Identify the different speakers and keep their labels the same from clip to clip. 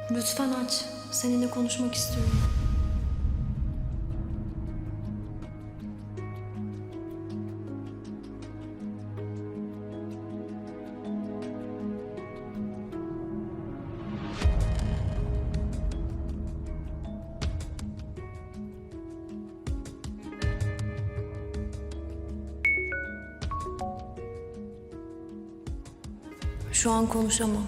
Speaker 1: Lütfen aç. Seninle konuşmak istiyorum. Şu an konuşamam.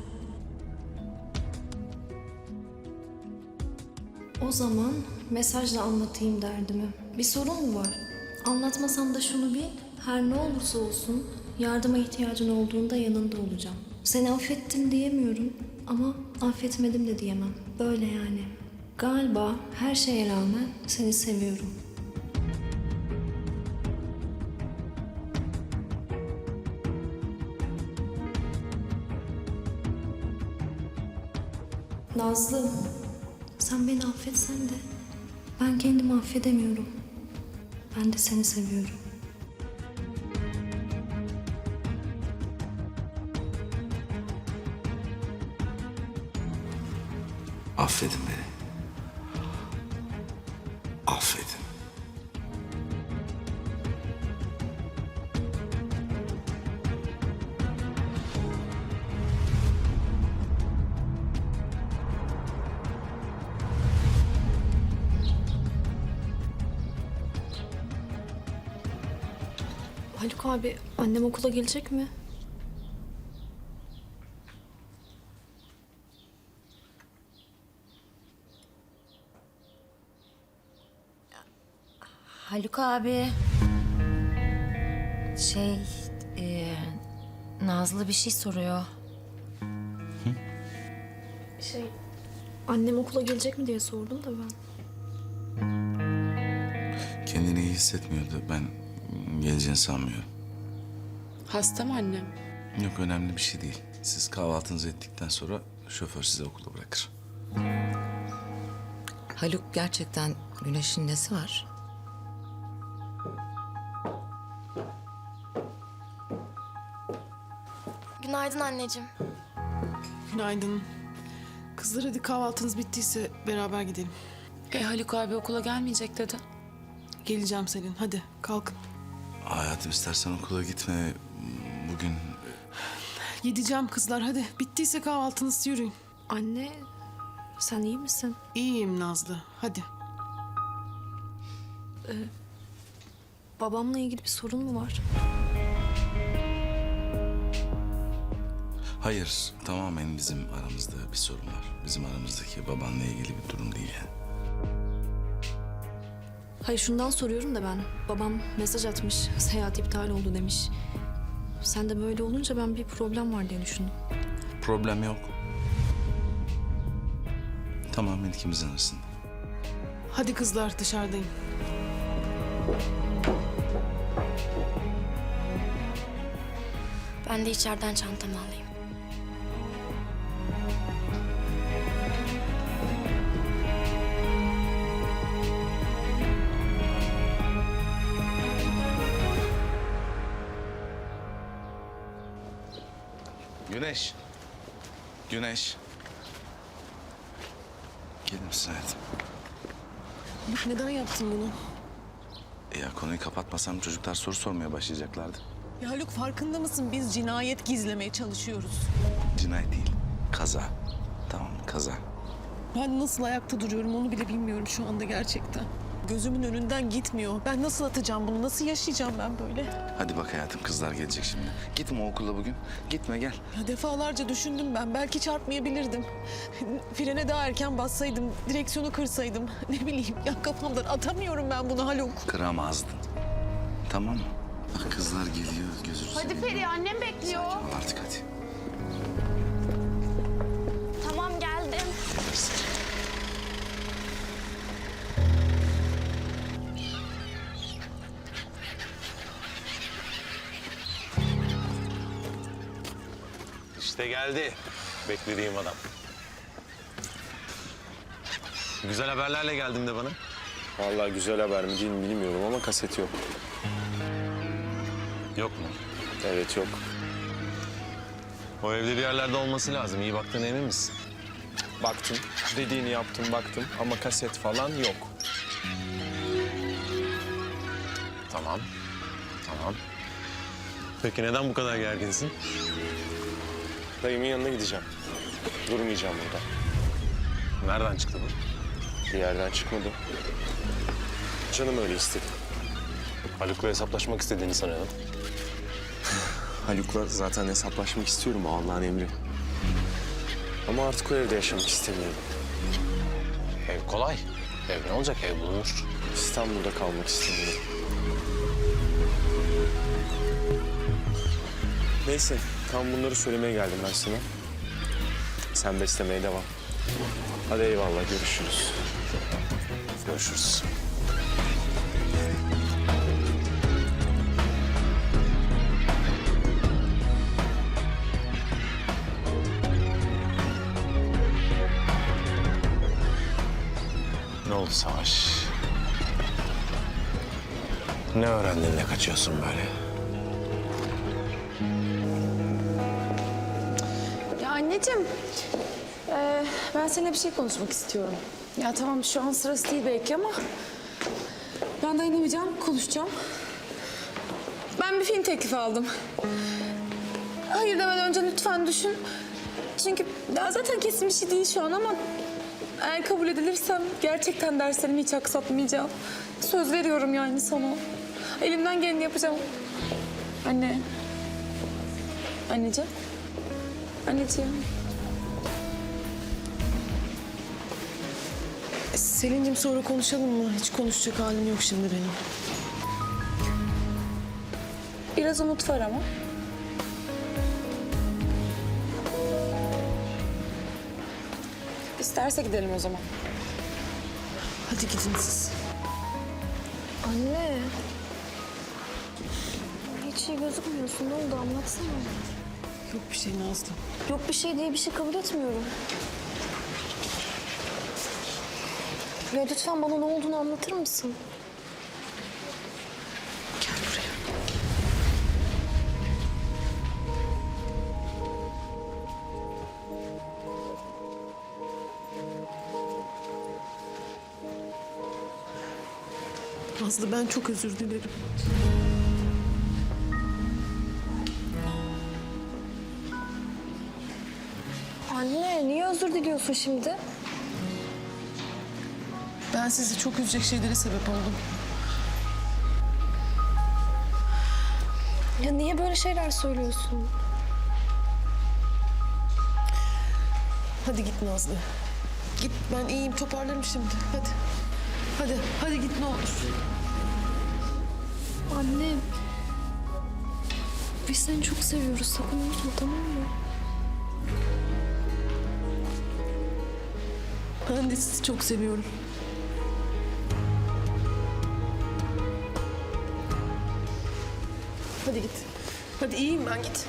Speaker 1: O zaman mesajla anlatayım derdimi. Bir sorun mu var? Anlatmasam da şunu bil, her ne olursa olsun yardıma ihtiyacın olduğunda yanında olacağım. Seni affettim diyemiyorum ama affetmedim de diyemem. Böyle yani. Galiba her şeye rağmen seni seviyorum. Nazlı, sen beni affetsen de ben kendimi affedemiyorum. Ben de seni seviyorum.
Speaker 2: Affedin beni. Affedin.
Speaker 1: Haluk abi, annem okula gelecek mi?
Speaker 3: Haluk abi. Nazlı bir şey soruyor.
Speaker 1: Annem okula gelecek mi diye sordum da ben.
Speaker 2: Kendini iyi hissetmiyordu. Ben geleceğini sanmıyorum.
Speaker 4: Hasta mı annem?
Speaker 2: Yok, önemli bir şey değil. Siz kahvaltınızı ettikten sonra şoför sizi okula bırakır.
Speaker 5: Haluk gerçekten Güneş'in nesi var?
Speaker 6: Günaydın anneciğim.
Speaker 4: Günaydın. Kızlar hadi kahvaltınız bittiyse beraber gidelim.
Speaker 7: Haluk abi okula gelmeyecek dedi.
Speaker 4: Geleceğim Selin. Hadi kalkın.
Speaker 2: Hayatım, istersen okula gitme. Bugün
Speaker 4: Gideceğim kızlar hadi. Bittiyse kahvaltınız yürüyün.
Speaker 1: Anne, sen iyi misin?
Speaker 4: İyiyim Nazlı. Hadi.
Speaker 1: Babamla ilgili bir sorun mu var?
Speaker 2: hayır, tamamen bizim aramızda bir sorun var. Bizim aramızdaki babanla ilgili bir durum değil yani.
Speaker 1: Hayır, şundan soruyorum da ben. Babam mesaj atmış, seyahat iptal oldu demiş. Sen de böyle olunca ben bir problem var diye düşündüm.
Speaker 2: Problem yok. Tamamen ikimizin arasında.
Speaker 4: Hadi kızlar dışarıdayım.
Speaker 6: Ben de içeriden çantamı alayım.
Speaker 2: Güneş. Güneş. Gelir misin hayatım?
Speaker 4: Neden yaptın bunu?
Speaker 2: Ya konuyu kapatmasam çocuklar soru sormaya başlayacaklardı.
Speaker 8: Ya Haluk farkında mısın? Biz cinayet gizlemeye çalışıyoruz.
Speaker 2: Cinayet değil, kaza. Tamam mı? Kaza.
Speaker 8: Ben nasıl ayakta duruyorum onu bile bilmiyorum şu anda gerçekten. Gözümün önünden gitmiyor. Ben nasıl atacağım bunu? Nasıl yaşayacağım ben böyle?
Speaker 2: Hadi bak hayatım, kızlar gelecek şimdi. Gitme okula bugün. Gitme, gel.
Speaker 8: Ya defalarca düşündüm ben. Belki çarpmayabilirdim. Frene daha erken bassaydım, direksiyonu kırsaydım. Ne bileyim ya kafamdan atamıyorum ben bunu Haluk.
Speaker 2: Kıramazdın. Tamam mı? Bak kızlar geliyor, gözünü
Speaker 6: Hadi Feriha, annem bekliyor.
Speaker 2: Sakin ol artık hadi.
Speaker 6: Tamam, geldim.
Speaker 9: İşte geldi. Beklediğim adam. Güzel haberlerle geldin de bana.
Speaker 10: Vallahi güzel haber mi değil mi bilmiyorum ama kaset yok.
Speaker 9: Yok mu?
Speaker 10: Evet yok.
Speaker 9: O evde bir yerlerde olması lazım. İyi baktığına emin misin?
Speaker 10: baktım. Dediğini yaptım, baktım ama kaset falan yok.
Speaker 9: Tamam. Tamam. Peki neden bu kadar gerginsin?
Speaker 10: Dayımın yanına gideceğim. Durmayacağım burada.
Speaker 9: Nereden çıktı bu?
Speaker 10: Bir yerden çıkmadı. Canım öyle istedi.
Speaker 9: Haluk'la hesaplaşmak istediğini sanıyordum.
Speaker 10: Haluk'la zaten hesaplaşmak istiyorum, o Allah'ın emri. Ama artık o evde yaşamak istemiyorum.
Speaker 9: Ev kolay. Ev ne olacak? Ev bulunur.
Speaker 10: İstanbul'da kalmak istemiyorum. Neyse, tam bunları söylemeye geldim ben sana. Sen beslemeye devam. Hadi eyvallah, görüşürüz.
Speaker 9: Görüşürüz. Ne oldu Savaş? Ne öğrendin de kaçıyorsun böyle?
Speaker 7: Ya anneciğim, ben seninle bir şey konuşmak istiyorum. Ya tamam şu an sırası değil belki ama ben dayanamayacağım, konuşacağım. Ben bir film teklifi aldım. Hayır demeden önce lütfen düşün. Çünkü daha zaten kesin bir şey değil şu an ama eğer kabul edilirsem gerçekten derslerimi hiç aksatmayacağım. Söz veriyorum yani sana. Elimden geleni yapacağım. Anne. Anneciğim. Anneciğim.
Speaker 8: Selin'cim sonra konuşalım mı? Hiç konuşacak halim yok şimdi benim.
Speaker 7: Biraz umut var ama. İsterse gidelim o zaman.
Speaker 8: Hadi gidin siz.
Speaker 1: Anne. Hiç iyi gözükmüyorsun. Ne oldu anlatsana.
Speaker 8: Yok bir şey Nazlı.
Speaker 1: Yok bir şey diye bir şey kabul etmiyorum. Ya lütfen bana ne olduğunu anlatır mısın?
Speaker 8: Gel buraya. Nazlı ben çok özür dilerim.
Speaker 1: Anne niye özür diliyorsun şimdi?
Speaker 8: Ben sizi çok üzecek şeylere sebep oldum.
Speaker 1: Ya niye böyle şeyler söylüyorsun?
Speaker 8: Hadi git Nazlı. Git ben iyiyim toparlarım şimdi. Hadi. Hadi git ne olur.
Speaker 1: Anne. Biz seni çok seviyoruz. Sakın unutma tamam mı?
Speaker 8: Ben de sizi çok seviyorum. Hadi git. Hadi iyiyim ben git.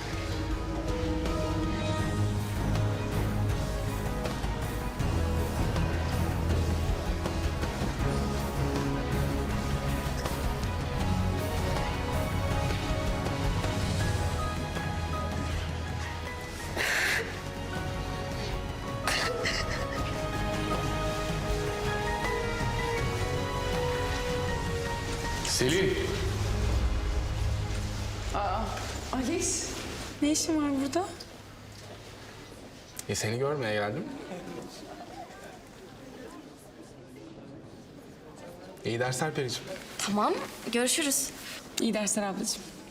Speaker 9: Selin.
Speaker 7: Alice, ne işin var burada?
Speaker 11: Seni görmeye geldim. İyi dersler Periciğim.
Speaker 6: Tamam, görüşürüz.
Speaker 7: İyi dersler ablacığım.